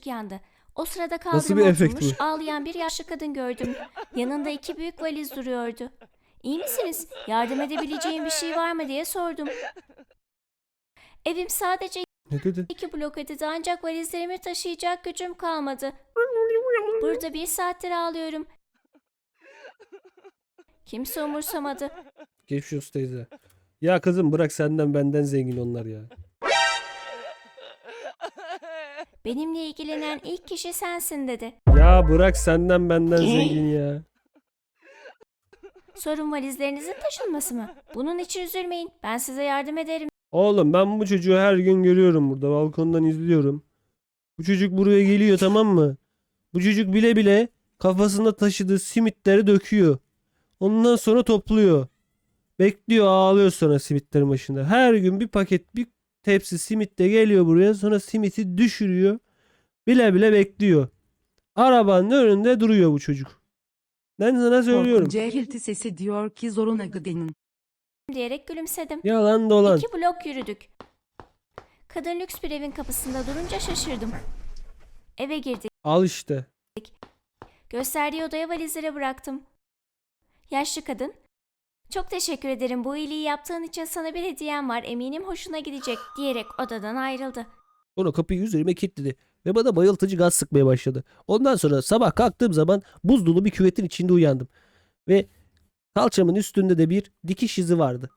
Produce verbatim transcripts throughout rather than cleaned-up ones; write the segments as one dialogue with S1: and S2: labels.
S1: yandı. O sırada
S2: Nasıl bir
S1: kaldırıma
S2: efekt
S1: oturmuş
S2: bu?
S1: ağlayan bir yaşlı kadın gördüm. Yanında iki büyük valiz duruyordu. İyi misiniz? Yardım edebileceğim bir şey var mı diye sordum. Evim sadece
S2: Ne dedi?
S1: iki blok ötede ancak valizlerimi taşıyacak gücüm kalmadı. Burada bir saattir ağlıyorum. Kimse umursamadı.
S2: Geçmiş olsun teyze. Ya kızım bırak, senden benden zengin onlar ya.
S1: Benimle ilgilenen ilk kişi sensin dedi.
S2: Ya bırak, senden benden zengin ya.
S1: Sorun valizlerinizin taşınması mı? Bunun için üzülmeyin. Ben size yardım ederim
S2: Oğlum ben bu çocuğu her gün görüyorum burada. Balkondan izliyorum. Bu çocuk buraya geliyor, tamam mı? Bu çocuk bile bile kafasında taşıdığı simitleri döküyor. Ondan sonra topluyor. Bekliyor, ağlıyor sonra simitlerin başında. Her gün bir paket, bir tepsi simit de geliyor buraya. Sonra simiti düşürüyor. Bile bile bekliyor. Arabanın önünde duruyor bu çocuk. Ben sana söylüyorum.
S3: Korkunç cehilti sesi diyor ki zoruna gidenin.
S1: diyerek gülümsedim.
S2: Yalan dolan.
S1: İki blok yürüdük. Kadın lüks bir evin kapısında durunca şaşırdım. Eve girdik.
S2: Al işte.
S1: Gösterdiği odaya valizleri bıraktım. Yaşlı kadın, "Çok teşekkür ederim, bu iyiliği yaptığın için sana bir hediyem var, eminim hoşuna gidecek," diyerek odadan ayrıldı.
S2: Sonra kapıyı üzerime kilitledi ve bana bayıltıcı gaz sıkmaya başladı. Ondan sonra sabah kalktığım zaman buz dolu bir küvetin içinde uyandım. Ve kalçamın üstünde de bir dikiş izi vardı.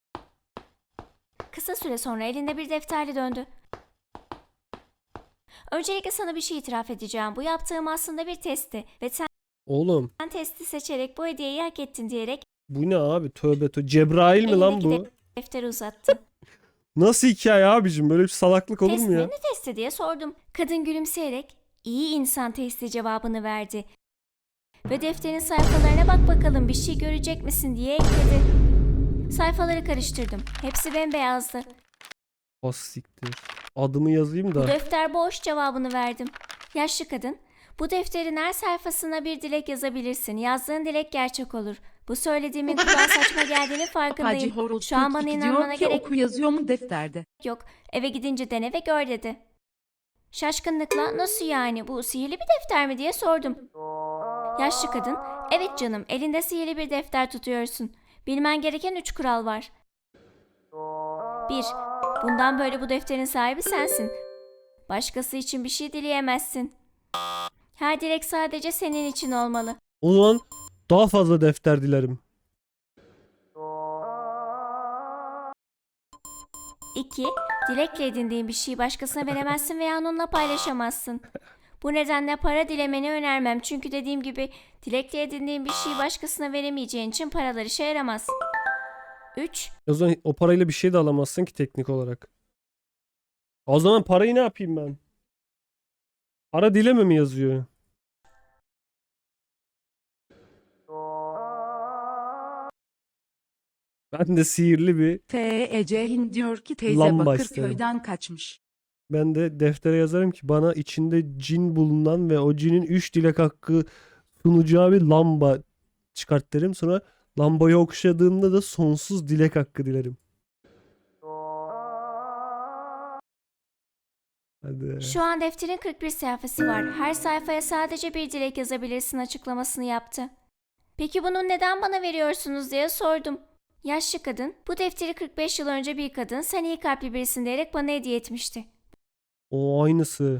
S1: Kısa süre sonra elinde bir defterle döndü. "Öncelikle sana bir şey itiraf edeceğim. Bu yaptığım aslında bir testti ve sen
S2: Oğlum
S1: testi seçerek bu hediyeyi hak ettin," diyerek
S2: bu ne abi, tövbe tövbe. Cebrail mi lan
S1: elindeki
S2: bu?
S1: de- defteri uzattı.
S2: Nasıl hikaye abicim, böyle bir salaklık olur
S1: "Test
S2: mu
S1: mi?
S2: ya?
S1: Ne testi?" diye sordum. Kadın gülümseyerek "İyi insan testi" cevabını verdi. Ve defterin sayfalarına "Bak bakalım bir şey görecek misin?" diye ekledi. Sayfaları karıştırdım. Hepsi bembeyazdı.
S2: Az siktir. Adımı yazayım
S1: "Bu
S2: da.
S1: defter boş," cevabını verdim. Yaşlı kadın, "Bu defterin her sayfasına bir dilek yazabilirsin. Yazdığın dilek gerçek olur. Bu söylediğimin kulağa saçma geldiğini
S3: Hacı
S1: farkındayım.
S3: Horoz
S1: Şu an bana
S3: kırk iki
S1: inanmana
S3: diyor ki
S1: gerek
S3: oku yazıyor mu defterde?
S1: yok. Eve gidince dene ve gör," dedi. Şaşkınlıkla "Nasıl yani, bu sihirli bir defter mi?" diye sordum. Yaşlı kadın, "Evet canım, elinde sihirli bir defter tutuyorsun. Bilmen gereken üç kural var. bir. Bundan böyle bu defterin sahibi sensin. Başkası için bir şey dileyemezsin. Her dilek sadece senin için olmalı.
S2: O zaman daha fazla defter dilerim.
S1: iki. Dilekle edindiğin bir şeyi başkasına veremezsin veya onunla paylaşamazsın. Bu nedenle para dilemeni önermem. Çünkü dediğim gibi dilekle edindiğin bir şeyi başkasına veremeyeceğin için paralar işe yaramaz. üç.
S2: O zaman o parayla bir şey de alamazsın ki teknik olarak. O zaman parayı ne yapayım ben? Para dileme mi yazıyor? Ben de sihirli bir,
S3: F E Cehin diyor ki teyze
S2: Lamba
S3: Bakırköy'den kaçmış.
S2: ben de deftere yazarım ki bana içinde cin bulunan ve o cinin üç dilek hakkı sunacağı bir lamba çıkart derim. Sonra lambayı okşadığımda da sonsuz dilek hakkı dilerim. Hadi.
S1: Şu an defterin kırk bir sayfası var. Her sayfaya sadece bir dilek yazabilirsin açıklamasını yaptı. "Peki bunu neden bana veriyorsunuz?" diye sordum. Yaşlı kadın, "Bu defteri kırk beş yıl önce bir kadın sen iyi kalpli birisin diyerek bana hediye etmişti.
S2: O aynısı.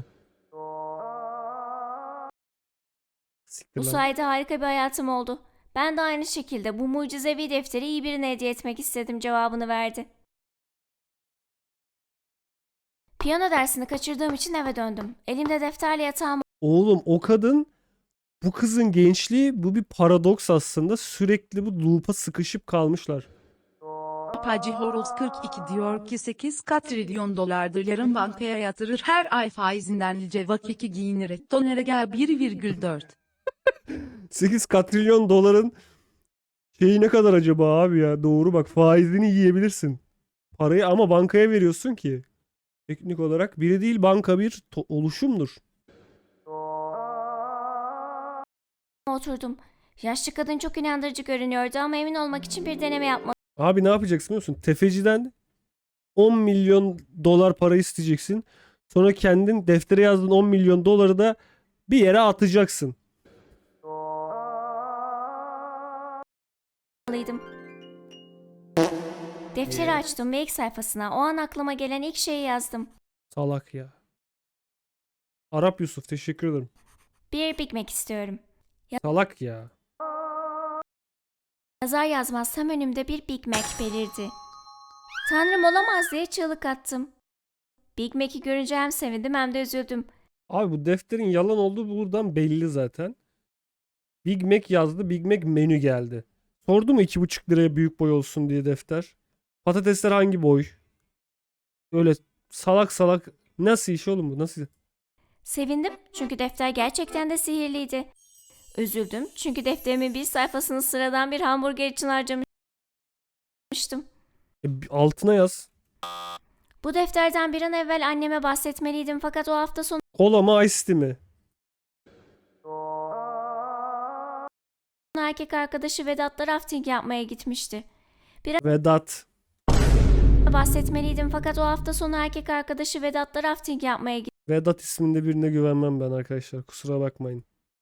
S2: Siktir
S1: Bu
S2: lan.
S1: sayede harika bir hayatım oldu. Ben de aynı şekilde bu mucizevi defteri iyi birine hediye etmek istedim," cevabını verdi. Piyano dersini kaçırdığım için eve döndüm. Elimde defterle yatağıma
S2: Oğlum o kadın, bu kızın gençliği, bu bir paradoks aslında. Sürekli bu loop'a sıkışıp kalmışlar.
S3: Hacı Horoz kırk iki diyor ki sekiz katrilyon dolardır yarın bankaya yatırır her ay faizinden lice vakiki giyinir tonere gel bir virgül dört.
S2: sekiz katrilyon doların şeyi ne kadar acaba abi ya? Doğru bak, faizini yiyebilirsin. Parayı ama bankaya veriyorsun ki. Teknik olarak biri değil, banka bir to- oluşumdur.
S1: oturdum. Yaşlı kadın çok inandırıcı görünüyordu ama emin olmak için bir deneme yapmalıydım.
S2: Abi ne yapacaksın biliyor musun? Tefeciden on milyon dolar para isteyeceksin. Sonra kendin deftere yazdığın on milyon doları da bir yere atacaksın.
S1: Alıydım. Defteri açtım ve ilk sayfasına o an aklıma gelen ilk şeyi yazdım.
S2: Salak ya. Arap Yusuf, teşekkür ederim.
S1: Bir Big Mac istiyorum.
S2: Salak ya.
S1: Yazar yazmaz tam önümde bir Big Mac belirdi. Tanrım olamaz diye çığlık attım. Big Mac'i görünce hem sevindim hem de üzüldüm.
S2: Abi bu defterin yalan olduğu buradan belli zaten. Big Mac yazdı. Big Mac menü geldi. Sordu mu iki buçuk liraya büyük boy olsun diye defter? Patatesler hangi boy? Öyle salak salak. Nasıl iş oğlum bu? Nasıl?
S1: Sevindim çünkü defter gerçekten de sihirliydi. Üzüldüm çünkü defterimin bir sayfasını sıradan bir hamburger için harcamıştım.
S2: E, altına yaz.
S1: Bu defterden bir an evvel anneme bahsetmeliydim fakat o hafta sonu
S2: Kola mı ice tea mi?
S1: erkek arkadaşı Vedat'la rafting yapmaya gitmişti.
S2: Vedat.
S1: Bahsetmeliydim fakat o hafta sonu erkek arkadaşı Vedat'la rafting yapmaya
S2: Vedat isminde birine güvenmem ben arkadaşlar. Kusura bakmayın.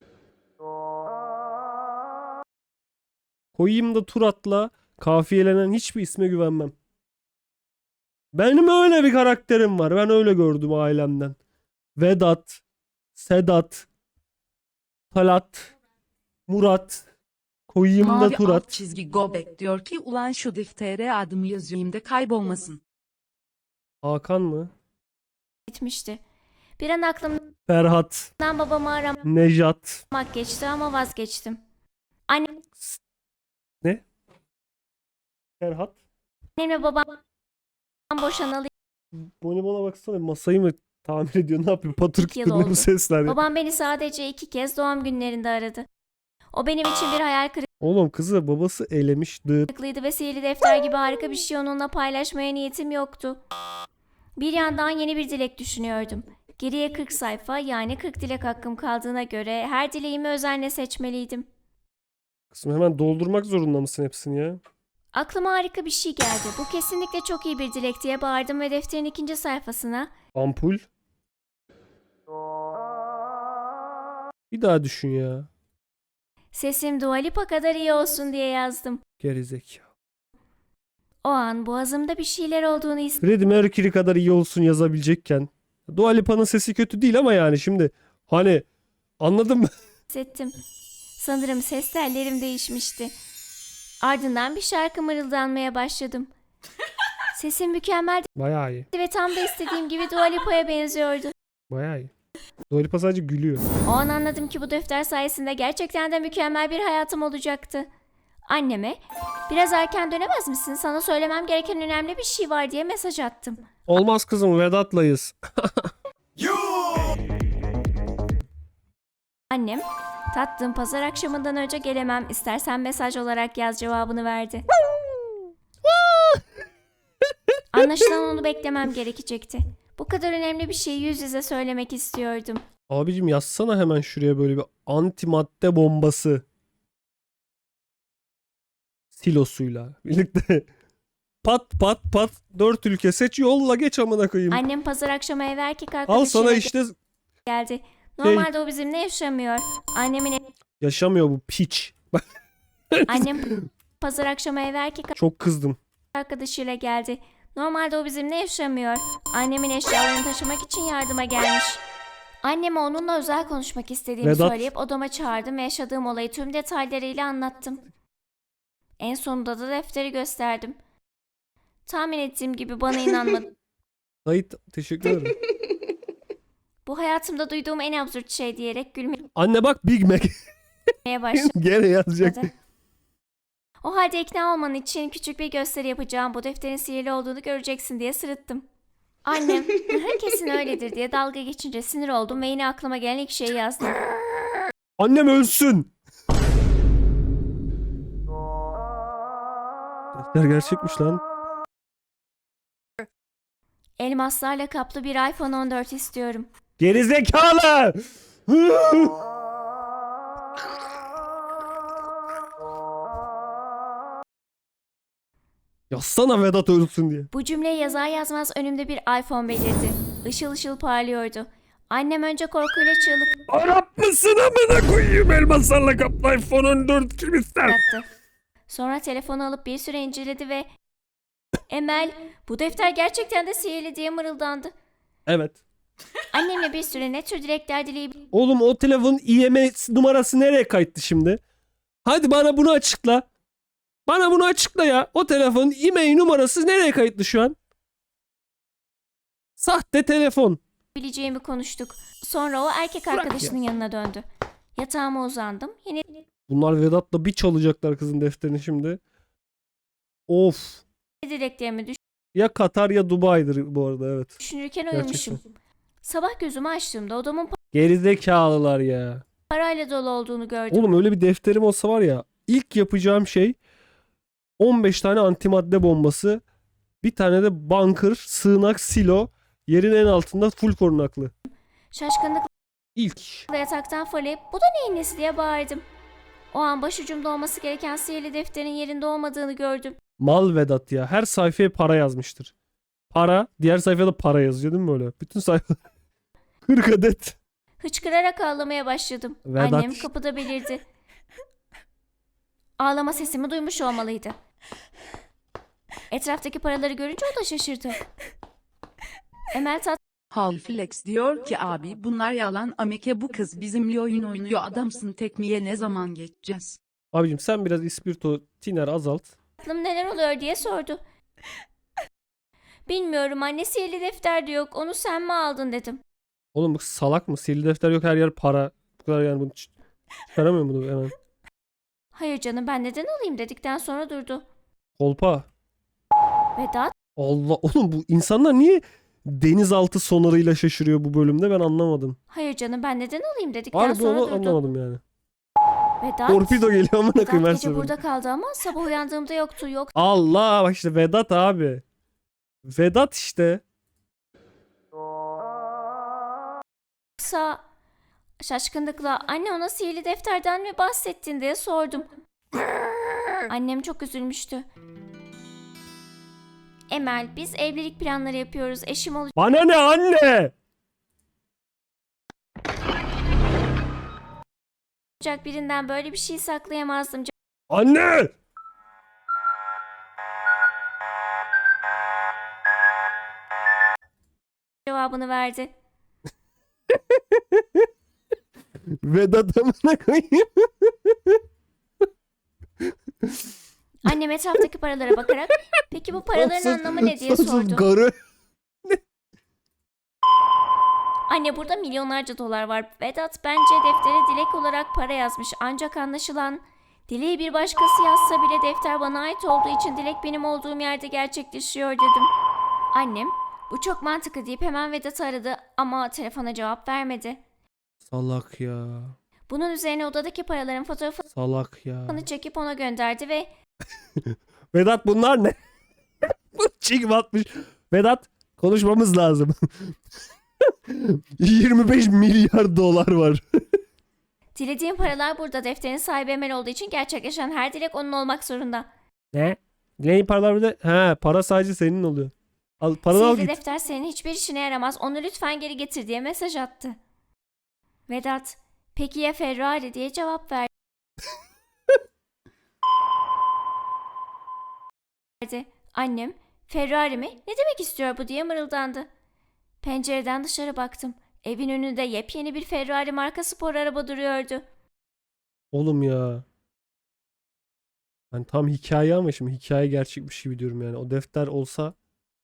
S2: Koyayım da tur atla kafiyelenen hiçbir isme güvenmem. Benim öyle bir karakterim var. Ben öyle gördüm ailemden. Vedat, Sedat, Talat, Murat. Koyayım da
S3: Mavi
S2: tur
S3: alt
S2: at.
S3: çizgi Gobek diyor ki ulan şu deftere adımı yazayım da kaybolmasın.
S2: Hakan mı?
S1: gitmişti. Bir an aklımdan
S2: Ferhat,
S1: babamı aramak
S2: Nejat.
S1: geçti ama vazgeçtim. Annem
S2: Ne? Ferhat.
S1: Annemle babam boşanalı
S2: Bonibon'a baksana, masayı mı tamir ediyor, ne yapıyor? Patır
S1: İki yıl
S2: kütür ne
S1: oldu.
S2: bu sesler ya?
S1: Babam beni sadece iki kez doğum günlerinde aradı. O benim için bir hayal
S2: Oğlum kızı babası elemişti.
S1: kırıklığıydı ve sihirli defter gibi harika bir şey onunla paylaşmaya niyetim yoktu. Bir yandan yeni bir dilek düşünüyordum. Geriye kırk sayfa yani kırk dilek hakkım kaldığına göre her dileğimi özenle seçmeliydim.
S2: Kızım hemen doldurmak zorunda mısın hepsini ya?
S1: Aklıma harika bir şey geldi. Bu kesinlikle çok iyi bir dilek diye bağırdım ve defterin ikinci sayfasına
S2: Ampul. Bir daha düşün ya.
S1: sesim Dua Lipa kadar iyi olsun diye yazdım.
S2: Gerizekalı.
S1: O an boğazımda bir şeyler olduğunu
S2: Freddie Mercury kadar iyi olsun yazabilecekken. Dua Lipa'nın sesi kötü değil ama yani şimdi hani anladın mı?
S1: hissettim. Sanırım ses tellerim değişmişti. Ardından bir şarkı mırıldanmaya başladım. Sesim mükemmeldi
S2: Bayağı iyi.
S1: ve tam da istediğim gibi Dua Lipa'ya benziyordu.
S2: Bayağı iyi. Dua Lipa sadece gülüyor.
S1: O an anladım ki bu defter sayesinde gerçekten de mükemmel bir hayatım olacaktı. Anneme, biraz erken dönemez misin? Sana söylemem gereken önemli bir şey var diye mesaj attım.
S2: Olmaz kızım, Vedat'layız.
S1: Annem, tatlım pazar akşamından önce gelemem. İstersen mesaj olarak yaz cevabını verdi. Anlaşılan onu beklemem gerekecekti. Bu kadar önemli bir şeyi yüz yüze söylemek istiyordum.
S2: Abicim yazsana hemen şuraya böyle bir antimadde bombası. Silosuyla birlikte. Pat pat pat dört ülke seç, yolla geç amına koyayım.
S1: Annem pazar akşamı eve erkek
S2: Al
S1: arkadaşıyla
S2: sana işte,
S1: geldi. Normalde o bizimle yaşamıyor. Annemin
S2: yaşamıyor bu piç.
S1: annem pazar akşamı eve erkek
S2: Çok kızdım.
S1: arkadaşıyla geldi. Normalde o bizimle yaşamıyor. Annemin eşyalarını taşımak için yardıma gelmiş. Anneme onunla özel konuşmak istediğimi
S2: Vedat.
S1: söyleyip odama çağırdım ve yaşadığım olayı tüm detaylarıyla anlattım. En sonunda da defteri gösterdim. Tahmin ettiğim gibi bana inanmadı.
S2: Sait teşekkür ederim.
S1: Bu hayatımda duyduğum en absürt şey diyerek gülmeye
S2: Anne bak Big Mac.
S1: başladı.
S2: Gene yazacak.
S1: O halde ikna olman için küçük bir gösteri yapacağım. Bu defterin sihirli olduğunu göreceksin diye sırıttım. Annem, "Hı, kesin öyledir" diye dalga geçince sinir oldum ve yine aklıma gelen ilk şeyi yazdım.
S2: Annem ölsün. Defter gerçekmiş lan.
S1: Elmaslarla kaplı bir iPhone on dört istiyorum.
S2: Gerizekalı. Yazsana Vedat ölsün diye.
S1: Bu cümleyi yazar yazmaz önümde bir iPhone belirdi. Işıl ışıl parlıyordu. Annem önce korkuyla çığlık
S2: Arap mısın amına koyayım, elmaslarla kaplı iPhone on dört kim ister?
S1: attı. Sonra telefonu alıp bir süre inceledi ve Emel, bu defter gerçekten de sihirli diye mırıldandı.
S2: Evet.
S1: Annemle bir süre ne tür dilekler dileyip
S2: Oğlum o telefonun I M S numarası nereye kayıttı şimdi? Hadi bana bunu açıkla. Bana bunu açıkla ya. O telefonun I M E I numarası nereye kayıtlı şu an? Sahte telefon.
S1: bileceğimi konuştuk. Sonra o erkek arkadaşının yanına döndü. Yatağıma uzandım. Yine
S2: Bunlar Vedat'la bir çalacaklar kızın defterini şimdi. Of.
S1: dileklerimi
S2: Ya Katar ya Dubai'dir bu arada, evet.
S1: düşünürken
S2: Gerçekten.
S1: uyumuşum. Sabah gözümü açtığımda odamın
S2: Gerizekalılar ya.
S1: parayla dolu olduğunu gördüm.
S2: Oğlum öyle bir defterim olsa var ya, ilk yapacağım şey on beş tane antimadde bombası, bir tane de bunker, sığınak, silo, yerin en altında full korunaklı.
S1: Şaşkınlıkla
S2: İlk iş.
S1: yataktan fırlayıp bu da neyin nesi diye bağırdım. O an başucumda olması gereken sihirli defterin yerinde olmadığını gördüm.
S2: Mal Vedat ya. Her sayfaya para yazmıştır. Para. Diğer sayfada para yazıyor değil mi böyle? Bütün sayfa. kırk adet.
S1: Hıçkırarak ağlamaya başladım.
S2: Vedat.
S1: Annem kapıda belirdi. Ağlama sesimi duymuş olmalıydı. Etraftaki paraları görünce o da şaşırdı. Emel tat
S3: Halflex diyor ki abi bunlar yalan ameke bu kız bizimle oyun oynuyor adamsın tekniğe ne zaman geçeceğiz?
S2: Abicim sen biraz ispirto tiner azalt.
S1: tatlım neler oluyor diye sordu. Bilmiyorum anne sihirli defter de yok onu sen mi aldın dedim.
S2: Oğlum bu salak mı? Sihirli defter yok, her yer para. Bu kadar yani bunu ç- çıkaramıyor bunu hemen.
S1: Hayır canım ben neden alayım dedikten sonra durdu.
S2: Kolpa.
S1: Vedat
S2: Allah, oğlum bu insanlar niye denizaltı sonarıyla şaşırıyor bu bölümde, ben anlamadım.
S1: hayır canım ben neden alayım dedikten
S2: Harbi
S1: sonra
S2: onu
S1: durdu.
S2: anlamadım yani.
S1: Vedat,
S2: Torpido geliyor amına
S1: Vedat
S2: koyayım her
S1: gece
S2: seferinde.
S1: burada kaldı ama sabah uyandığımda yoktu.
S2: Allah, bak işte Vedat abi. Vedat işte.
S1: Yoksa şaşkınlıkla anne ona sihirli defterden mi bahsettin diye sordum. Annem çok üzülmüştü. Emel biz evlilik planları yapıyoruz. Eşim
S2: Bana ne anne?
S1: olacak birinden böyle bir şey saklayamazdım.
S2: Anne!
S1: Cevabını verdi.
S2: Vedat amına koyayım.
S1: Annem etraftaki paralara bakarak peki bu paraların anlamı ne diye sordu.
S2: Garı.
S1: Anne burada milyonlarca dolar var. Vedat bence deftere dilek olarak para yazmış. Ancak anlaşılan dileği bir başkası yazsa bile defter bana ait olduğu için dilek benim olduğum yerde gerçekleşiyor dedim. Annem bu çok mantıklı deyip hemen Vedat'ı aradı ama telefona cevap vermedi.
S2: Salak ya.
S1: Bunun üzerine odadaki paraların fotoğrafını
S2: Salak ya.
S1: çekip ona gönderdi ve
S2: Vedat bunlar ne? Bu çiğ batmış. Vedat konuşmamız lazım. yirmi beş milyar dolar var.
S1: dilediğim paralar burada. Defterin sahibi Emel olduğu için gerçekleşen her dilek onun olmak zorunda.
S2: Ne? Neyin paralar burada? He, para sadece senin oluyor. Al, paranı al
S1: Sihirli
S2: git.
S1: defter senin hiçbir işine yaramaz. Onu lütfen geri getir diye mesaj attı. Vedat, peki ya Ferrari diye cevap verdi. Annem, Ferrari mi? Ne demek istiyor bu diye mırıldandı. Pencereden dışarı baktım. Evin önünde yepyeni bir Ferrari marka spor araba duruyordu.
S2: Oğlum ya. Ben tam hikaye ama şimdi hikaye gerçekmiş gibi diyorum yani. O defter olsa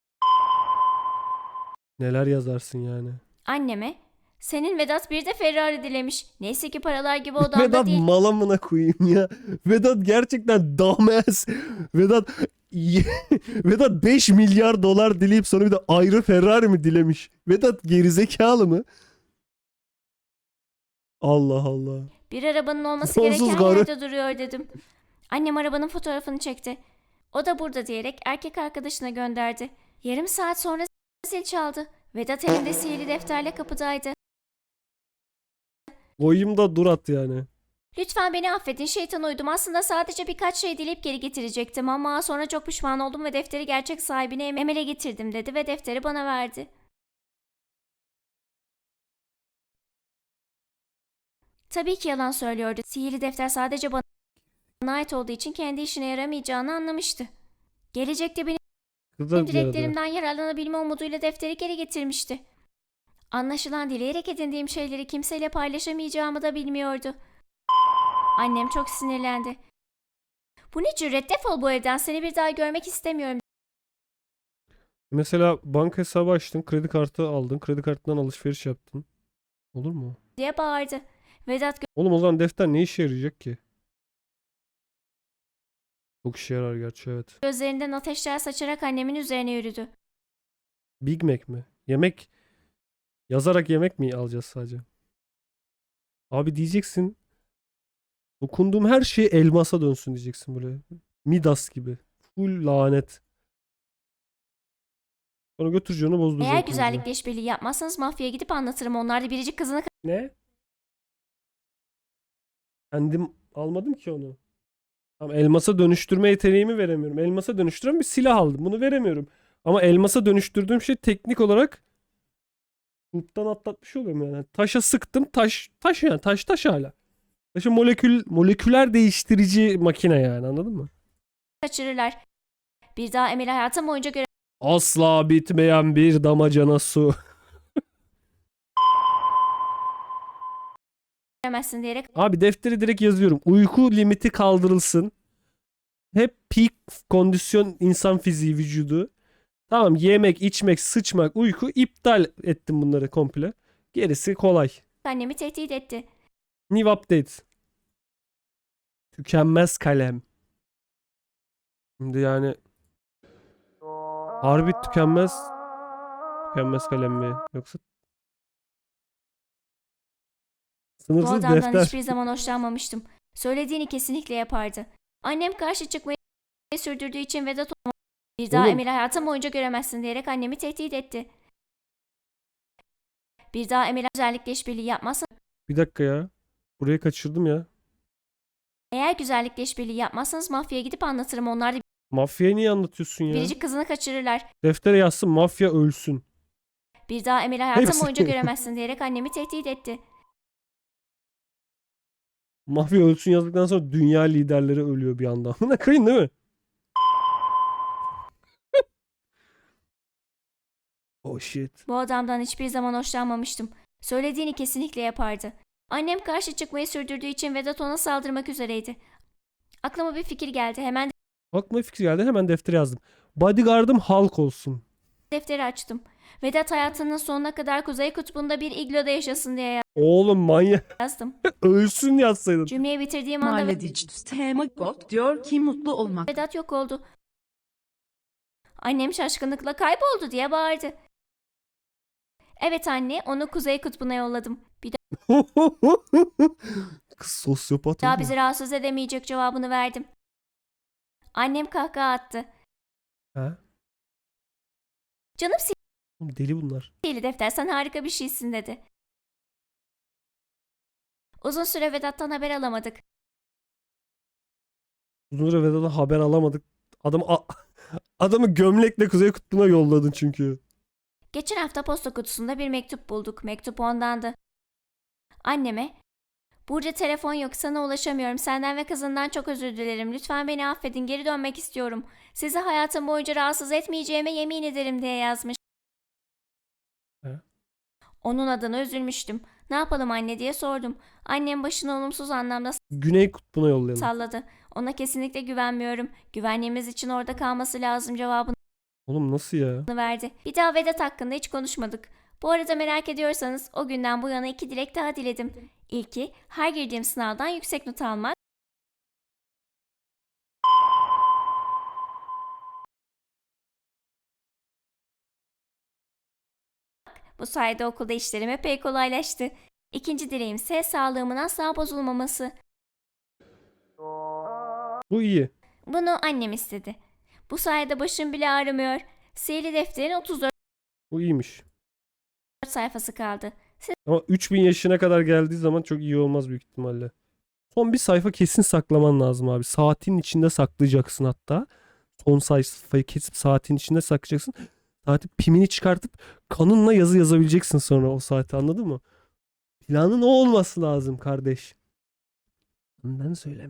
S2: neler yazarsın yani.
S1: Anneme, senin Vedat bir de Ferrari dilemiş. Neyse ki paralar gibi odamda
S2: Vedat
S1: değil.
S2: malamına koyayım ya. Vedat gerçekten dumbass. Vedat Vedat beş milyar dolar dileyip sonra bir de ayrı Ferrari mi dilemiş? Vedat gerizekalı mı? Allah Allah.
S1: Bir arabanın olması
S2: Sonsuz
S1: gereken
S2: garı.
S1: yerde duruyor dedim. Annem arabanın fotoğrafını çekti. O da burada diyerek erkek arkadaşına gönderdi. Yarım saat sonra zil çaldı. Vedat elinde sihirli defterle kapıdaydı.
S2: Koyayım da dur at yani.
S1: Lütfen beni affedin, şeytan uydum. Aslında sadece birkaç şey dileyip geri getirecektim ama sonra çok pişman oldum ve defteri gerçek sahibine Emel'e getirdim dedi ve defteri bana verdi. Tabii ki yalan söylüyordu. Sihirli defter sadece bana ait olduğu için kendi işine yaramayacağını anlamıştı. Gelecekte benim
S2: Kız da yaradı.
S1: dileklerimden yararlanabilme umuduyla defteri geri getirmişti. Anlaşılan dileyerek edindiğim şeyleri kimseyle paylaşamayacağımı da bilmiyordu. Annem çok sinirlendi. Bu ne cüret, defol bu evden, seni bir daha görmek istemiyorum
S2: Mesela banka hesabı açtın, kredi kartı aldın, kredi kartından alışveriş yaptın. Olur mu?
S1: diye bağırdı. Vedat
S2: Oğlum o zaman defter ne işe yarayacak ki? Çok işe yarar gerçi, evet.
S1: gözlerinden ateşler saçarak annemin üzerine yürüdü.
S2: Big Mac mi? Yemek yazarak yemek mi alacağız sadece? Abi diyeceksin, dokunduğum her şey elmasa dönsün diyeceksin böyle. Midas gibi. Full lanet. Sonra götüreceğim onu bozduracağım.
S1: Eğer
S2: kızı.
S1: güzellikle işbirliği yapmazsanız mafyaya gidip anlatırım. Onlar da biricik kızını
S2: Ne? Kendim almadım ki onu. Tamam, elmasa dönüştürme yeteneğimi veremiyorum. Elmasa dönüştüren bir silah aldım. Bunu veremiyorum. Ama elmasa dönüştürdüğüm şey teknik olarak huptan atlatmış oluyorum yani. Taşa sıktım. Taş taş yani. Taş taş hala. Taşı molekül moleküler değiştirici makine yani, anladın mı?
S1: kaçırırlar. Bir daha Emel'i hayatım boyunca
S2: Asla bitmeyen bir damacana su.
S1: göremezsin diyerek
S2: Abi defteri direkt yazıyorum. Uyku limiti kaldırılsın. Hep peak kondisyon insan fiziği vücudu. Tamam, yemek, içmek, sıçmak, uyku, iptal ettim bunları komple. Gerisi kolay.
S1: annemi tehdit etti.
S2: New update. Tükenmez kalem. Şimdi yani harbi tükenmez tükenmez kalem mi yoksa
S1: Bu
S2: sınırsız
S1: adamdan
S2: defter.
S1: hiçbir zaman hoşlanmamıştım. Söylediğini kesinlikle yapardı. Annem karşı çıkmayı sürdürdüğü için Vedat onu bir daha
S2: Oğlum.
S1: Emel'i hayatım boyunca göremezsin diyerek annemi tehdit etti. Bir daha Emel'e özellikle işbirliği yapmazsan
S2: Bir dakika ya. Burayı kaçırdım ya.
S1: eğer güzellikle işbirliği yapmazsanız mafyaya gidip anlatırım. Onlar da
S2: Mafyayı niye anlatıyorsun ya?
S1: biricik kızını kaçırırlar.
S2: Deftere yazsın, mafya ölsün.
S1: Bir daha Emel'i hayatım
S2: Hepsi.
S1: boyunca göremezsin diyerek annemi tehdit etti.
S2: Mafya ölsün yazdıktan sonra dünya liderleri ölüyor bir anda. Buna kıyın değil mi? Oh shit.
S1: Bu adamdan hiçbir zaman hoşlanmamıştım. Söylediğini kesinlikle yapardı. Annem karşı çıkmayı sürdürdüğü için Vedat ona saldırmak üzereydi. Aklıma bir fikir geldi. Hemen
S2: Aklıma fikir geldi, hemen deftere yazdım. Bodyguard'ım Hulk olsun.
S1: defteri açtım. Vedat hayatının sonuna kadar Kuzey Kutbu'nda bir igloda yaşasın diye
S2: Oğlum manyak.
S1: yazdım.
S2: Ölsün yazsaydın.
S1: Cümleyi bitirdiğim anda
S3: Mahalledici Stemakbot diyor ki mutlu olmak.
S1: Vedat yok oldu. Annem şaşkınlıkla kayboldu diye bağırdı. Evet anne, onu Kuzey Kutbu'na yolladım. Bir
S2: Kız sosyopat
S1: daha
S2: oldu.
S1: bizi rahatsız edemeyecek cevabını verdim. Annem kahkaha attı.
S2: Ha?
S1: Canım
S2: Oğlum deli bunlar.
S1: sihirli defter, sen harika bir şeysin dedi. Uzun süre Vedat'tan haber alamadık.
S2: Uzun süre Vedat'tan haber alamadık. Adamı a- adamı gömlekle Kuzey Kutbu'na yolladın çünkü.
S1: Geçen hafta posta kutusunda bir mektup bulduk. Mektup ondandı. Anneme, "Burcu telefon yok, sana ulaşamıyorum. Senden ve kızından çok özür dilerim. Lütfen beni affedin, geri dönmek istiyorum. Sizi hayatım boyunca rahatsız etmeyeceğime yemin ederim" diye yazmış.
S2: He?
S1: Onun adına üzülmüştüm. "Ne yapalım anne?" diye sordum. Annem başını olumsuz anlamda
S2: Güney Kutbu'na yollayalım.
S1: salladı. "Ona kesinlikle güvenmiyorum. Güvenliğimiz için orada kalması lazım" cevabını
S2: Oğlum nasıl ya?
S1: verdi. Bir daha Vedat hakkında hiç konuşmadık. Bu arada merak ediyorsanız o günden bu yana iki dilek daha diledim. İlki, her girdiğim sınavdan yüksek not almak. Bu sayede okulda işlerim epey kolaylaştı. İkinci dileğim ise sağlığımın asla bozulmaması.
S2: Bu iyi.
S1: Bunu annem istedi. Bu sayede başım bile ağrımıyor. Sihirli defterin otuz dört
S2: Bu iyiymiş.
S1: sayfası kaldı.
S2: Ama üç bin yaşına kadar geldiği zaman çok iyi olmaz büyük ihtimalle. Son bir sayfa kesin saklaman lazım abi. Saatin içinde saklayacaksın hatta. Son sayfayı kesip saatin içinde saklayacaksın. Saatin pimini çıkartıp kanınla yazı yazabileceksin sonra o saate, anladın mı? Planın o olması lazım kardeş. Ondan söyle.